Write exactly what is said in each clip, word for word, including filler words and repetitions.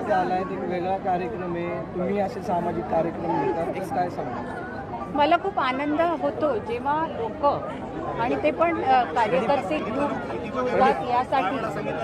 मध्ये आलाय, एक वेगळा कार्यक्रम आहे, तुम्ही असे सामाजिक कार्यक्रम घेतात, एक काय सांगा? मला खूप आनंद होतो जेव्हा लोक आणि ते पण अ, कार्यकर्ते ग्रुप जुळतात यासाठी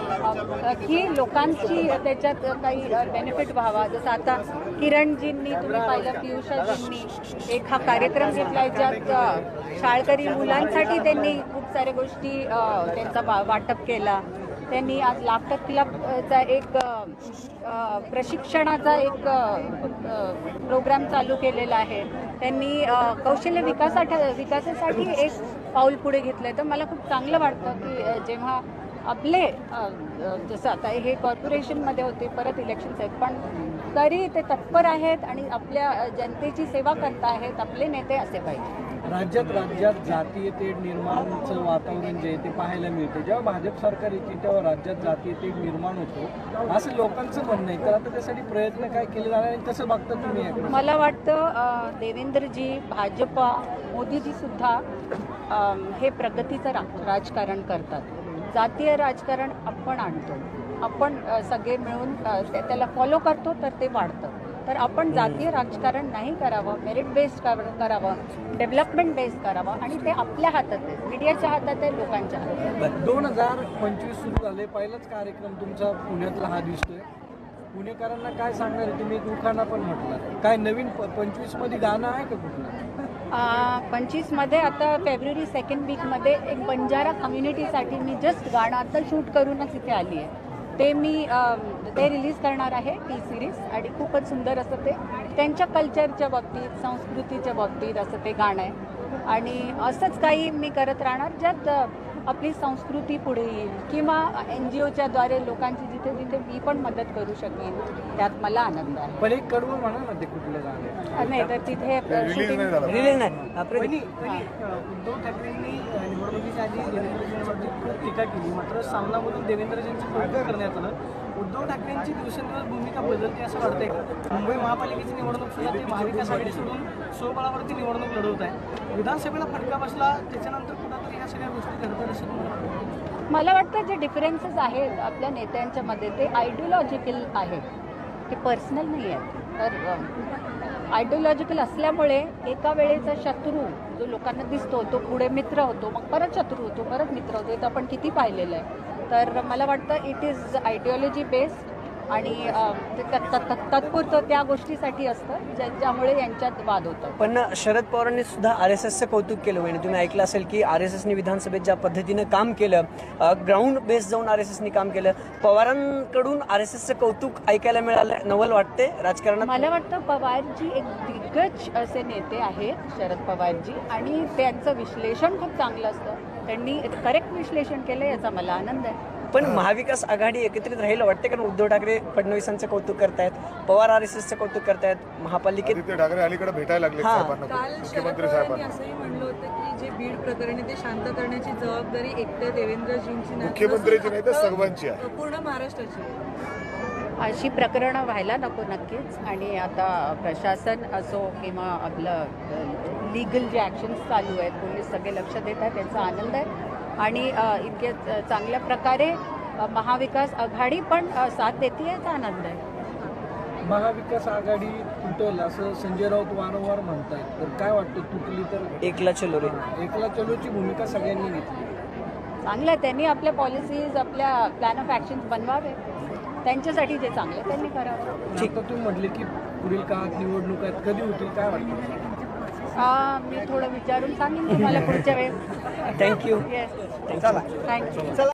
अ, की लोकांची त्याच्यात काही बेनिफिट व्हावा. जसं आता किरणजींनी तुम्ही पाहिलं, पियुषाजींनी एक हा कार्यक्रम घेतला आहे ज्यात अ, शाळकरी मुलांसाठी त्यांनी खूप साऱ्या गोष्टी अ, त्यांचा वा वाटप केला. त्यांनी आज लाफ्टर क्लबचा एक अ, अ, प्रशिक्षणाचा एक प्रोग्राम चालू केलेला आहे. त्यांनी अ, कौशल्य विकासासाठी विकासासाठी एक पाऊल पुढे घेतलं आहे. तर मला खूप चांगलं वाटतं की अ, जेव्हा आपले अ, अ, जसं आता हे कॉर्पोरेशनमध्ये होते, परत इलेक्शन्स आहेत, पण तरी ते तत्पर आहेत आणि आपल्या अ, जनतेची सेवा करत आहेत. आपले नेते असे पाहिजे. राज्यात राज्यात जातीय तेढ निर्माणचं वातावरण जे आहे ते पाहायला मिळते. जेव्हा भाजप सरकार येते तेव्हा राज्यात जातीय तेढ निर्माण होतो असं लोकांचं म्हणणं आहे. तर आता त्यासाठी प्रयत्न काय केले जाणार आणि कसं बघता तुम्ही याकडे? मला वाटतं अ, देवेंद्रजी, भाजपा, मोदीजी सुद्धा अ, हे प्रगतीचं रा राजकारण करतात. जातीय राजकारण आपण आणतो, आपण अ, सगळे मिळून अ, त्या- त्याला फॉलो करतो तर ते वाढतं. तर आपण जातीय राजकारण नाही करावं, मेरिट बेस्ड करावं, डेव्हलपमेंट बेस्ड करावं आणि ते आपल्या हातात आहे, मीडियाच्या हातात आहे, लोकांच्या हातात आहे. दोन हजार पंचवीस सुरू झाले, पहिलाच कार्यक्रम तुमचा पुण्यातला हा दिसतोय. पुणेकरांना काय सांगणार आहे? तुम्ही एक उखाणा पण म्हटलं, काय नवीन पंचवीस मध्ये गाणं आहे का कुठलं? पंचवीसमध्ये आता फेब्रुवारी सेकंड वीकमध्ये एक बंजारा कम्युनिटीसाठी मी जस्ट गाणं आता शूट करूनच इथे आली आहे. ते मी अ, ते रिलीज करणार आहे, टी सिरीज, आणि खूपच सुंदर असं ते त्यांच्या कल्चरच्या बाबतीत, संस्कृतीच्या बाबतीत असं ते गाणं आहे. आणि असंच काही मी करत राहणार ज्यात अ, आपली संस्कृती पुढे येईल किंवा एन जी ओच्या द्वारे लोकांची जिथे जिथे मी पण मदत करू शकेन त्यात मला आनंद आहे. पण एक कडवं म्हणा ना, ते कुठलं गाणं आहे? नाही तर तिथे शूटिंग रिलीज नाही. पहिली पहिली उद्धव ठाकरेंनी निवडणुकीच्या आधी देवेंद्रजींवरती खूप टीका केली, मात्र सामनामधून देवेंद्रजींचं कौतुक करण्यात आलं. उद्धव ठाकरेंची दिवसेंदिवस भूमिका बदलते असं वाटतंय का? मुंबई महापालिकेची निवडणूक सुद्धा ते महाविकास आघाडी सोडून स्वबळावरती निवडणूक लढवत आहे. विधानसभेला फटका बसला, त्याच्यानंतर कुठंतरी ह्या सगळ्या गोष्टी घडतात असं तुम्हाला वाटतं? मला वाटतं जे डिफरन्सेस आहेत आपल्या नेत्यांच्या मध्ये ते आयडिओलॉजिकल आहेत, ते पर्सनल नाही आहेत. तर आयडिओलॉजिकल असल्यामुळे एका वेळेचा शत्रू जो लोकांना दिसतो तो पुढे मित्र होतो, मग परत शत्रू होतो, परत मित्र होतो. हे तर आपण किती पाहिलेलं आहे. तर मला वाटतं इट इज आयडिओलॉजी बेस्ड आणि अ, ते तत्- तत्- तात्पुरतं त्या गोष्टीसाठी असतं ज्याच्यामुळे यांच्यात वाद होतात. पण शरद पवारांनी सुद्धा आर एस एसचं कौतुक केलं. म्हणजे तुम्ही ऐकलं असेल की आर एस एसनी विधानसभेत ज्या पद्धतीनं काम केलं, ग्राउंड बेस जाऊन आर एस एसनी काम केलं, पवारांकडून आर एस एसचं कौतुक ऐकायला मिळालं. नवल वाटते राजकारणात. मला वाटतं पवारजी एक दिग्गज असे नेते आहेत, शरद पवारजी, आणि त्यांचं विश्लेषण खूप चांगलं असतं. त्यांनी करेक्ट विश्लेषण केलं, याचा मला आनंद आहे. पण महाविकास आघाडी एकत्रित राहील वाटते, कारण उद्धव ठाकरे फडणवीसांचं कौतुक करतायत, पवार आर एस एसचं कौतुक करतायत, महापालिकेत आदित्य ठाकरे अलीकडे भेटायला लागले हा. साहेबांना, काल शरद मुख्यमंत्री पवारांनी साहेबांना. असंही म्हणलं होतं की जे बीड प्रकरणी ते शांत करण्याची जबाबदारी एकट्या देवेंद्रजींची नाही, मुख्यमंत्र्यांची नाही तर फक्त सर्वांची आहे. पूर्ण महाराष्ट्राची आहे. अशी प्रकरणं व्हायला नको नक्कीच. आणि आता प्रशासन असो किंवा आपलं लीगल जे ॲक्शन्स चालू आहेत, पोलीस सगळे लक्ष देत आहेत, त्यांचा आनंद आहे. आणि अ, इतके च- चांगल्या प्रकारे अ, महाविकास आघाडी पण अ, साथ देते, याचा आनंद आहे. महाविकास आघाडी तुटेल असं संजय राऊत वारंवार म्हणतायत, तर काय वाटतं तुटली तर? एकला चलो रे. एकला चलोची भूमिका सगळ्यांनी घेतली. चांगलं आहे, त्यांनी आपल्या पॉलिसीज, आपल्या प्लॅन ऑफ ॲक्शन्स बनवावे. त्यांच्यासाठी जे चांगलं आहे त्यांनी करावं. आता तुम्ही म्हटले की पुढील काळात निवडणूक आहेत, कधी होतील काय वाटतं? अ, मी थोडं विचारून सांगेन तुम्हाला पुढच्या वेळेस. थँक्यू. Yes, thank you.